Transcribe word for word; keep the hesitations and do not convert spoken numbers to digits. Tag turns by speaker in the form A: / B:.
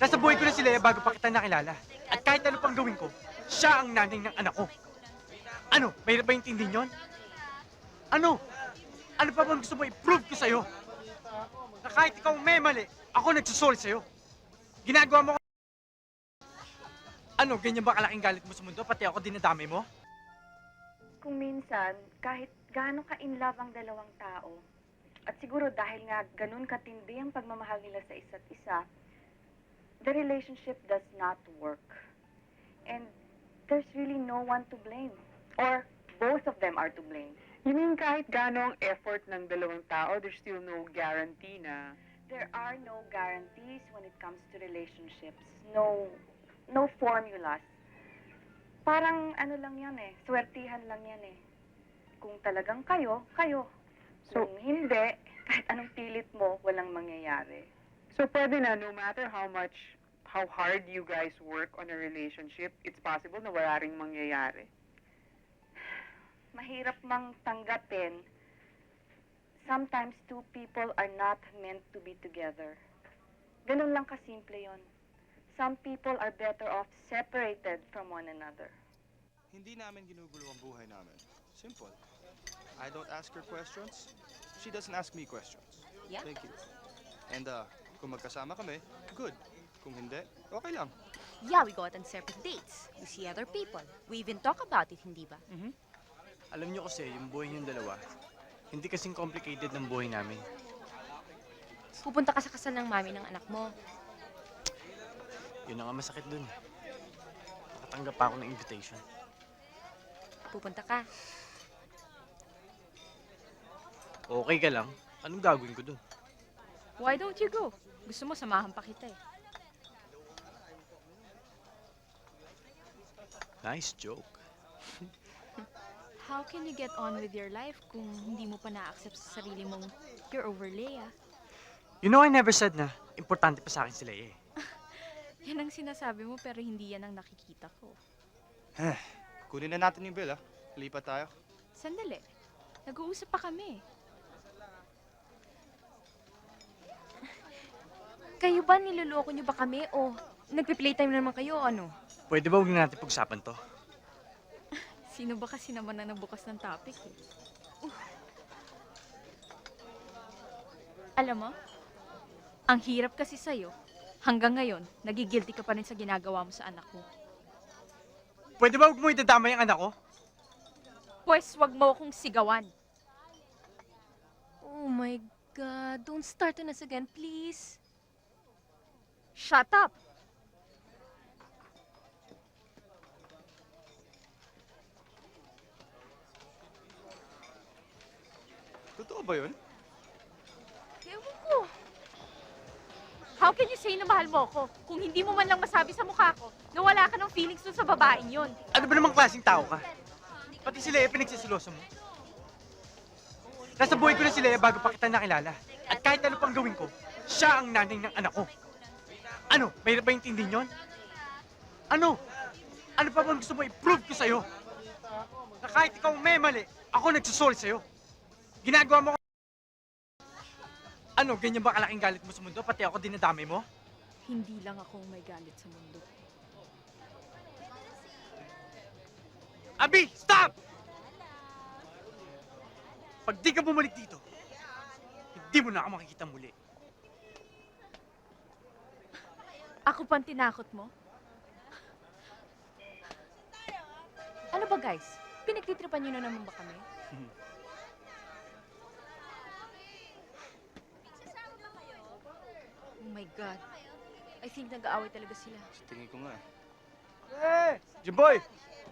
A: Nasa buhay ko na si Lea bago pa kita nakilala. At kahit ano pang gawin ko, siya ang nanay ng anak ko. Ano? Mahirap ba intindihin yun? Ano? Ano pa bang gusto mo i-prove ko sa'yo? Na kahit ikaw may mali, ako nagsusoli sa'yo. Ginagawa mo ko... Ano, ganyan ba kalaking galit mo sa mundo? Pati ako dinadamay mo?
B: Kung minsan, kahit gaano ka-in love ang dalawang tao, at siguro dahil nga ganun katindi ang pagmamahal nila sa isa't isa, the relationship does not work. And there's really no one to blame. Or both of them are to blame.
C: You mean kahit gaano ang effort ng dalawang tao, there's still no guarantee na...
B: There are no guarantees when it comes to relationships. No, no formulas. Parang ano lang yan eh, swertihan lang yan eh. Kung talagang kayo, kayo.
C: So-
B: Kung hindi, kahit anong pilit mo, walang mangyayari.
C: So pwede na, no matter how much, how hard you guys work on a relationship, it's possible na wala ring mangyayari.
B: Mahirap mang tanggapin. Sometimes two people are not meant to be together. Ganun lang kasimple yon. Some people are better off separated from one another.
D: Hindi namin ginugulo ang buhay namin. Simple. I don't ask her questions. She doesn't ask me questions.
E: Yeah.
D: Thank you. And uh, kung magkasama kami, good. Kung hindi, okay lang.
E: Yeah, we go out on separate dates. We see other people. We even talk about it, hindi ba?
A: Mhm. Alam niyo kasi, yung buhay niyong dalawa, hindi kasing complicated ng buhay namin.
E: Pupunta ka sa kasal ng mami ng anak mo.
A: Yun ang nga masakit dun. Nakatanggap pa ako ng invitation.
E: Pupunta ka.
A: Okay ka lang? Anong gagawin ko dun?
E: Why don't you go? Gusto mo, samahan pa kita eh.
A: Nice joke.
E: How can you get on with your life kung hindi mo pa na-accept sa sarili mong you're over Leia?
A: You know, I never said na importante pa sa akin si Lea eh.
E: Yan ang sinasabi mo pero hindi yan ang nakikita ko.
D: Kunin na natin yung bill, ah. Lipat tayo.
E: Sandali. Nag-uusap pa kami. Kayo ba, niloloko niyo ba kami o nagpi-playtime naman kayo o ano?
A: Pwede ba huwag na natin pag-usapan to?
E: Sino ba kasi naman na nagbukas ng topic eh? Uh. Alam mo, ang hirap kasi sa'yo, hanggang ngayon, nagigilty ka pa rin sa ginagawa mo sa anak mo.
A: Pwede ba huwag mo idadamay ang anak ko?
E: Pwes, wag mo akong sigawan. Oh my God, don't start on us again, please. Shut up!
D: Totoo ba yun?
E: Ewan ko. How can you say na mahal mo ko kung hindi mo man lang masabi sa mukha ko na wala ka ng feelings dun sa babaeng yun?
A: Ano ba namang klaseng tao ka? Pati si Lea pinagsisiloso mo. Nasa buhay ko na si Lea bago pa kita nakilala. At kahit ano pang gawin ko, siya ang nanay ng anak ko. Ano? Mahirap ba intindihin yun? Ano? Ano pa bang gusto mo i-prove ko sa'yo? Na kahit ikaw may mali, ako nagsusoli sa'yo. Ginagawa mo ko... Ano? Ganyan ba kalaking galit mo sa mundo? Pati ako dinadamay mo?
E: Hindi lang ako may galit sa mundo.
A: Abi! Stop! Pag di ka bumalik dito, hindi mo na ako makikita muli.
E: Ako pang tinakot mo? Ano ba guys? Pinagtitripan niyo na naman ba kami? Oh my God. I think nag-aaway talaga sila.
D: Sa tingin ko nga.
A: Eh! Jimboy!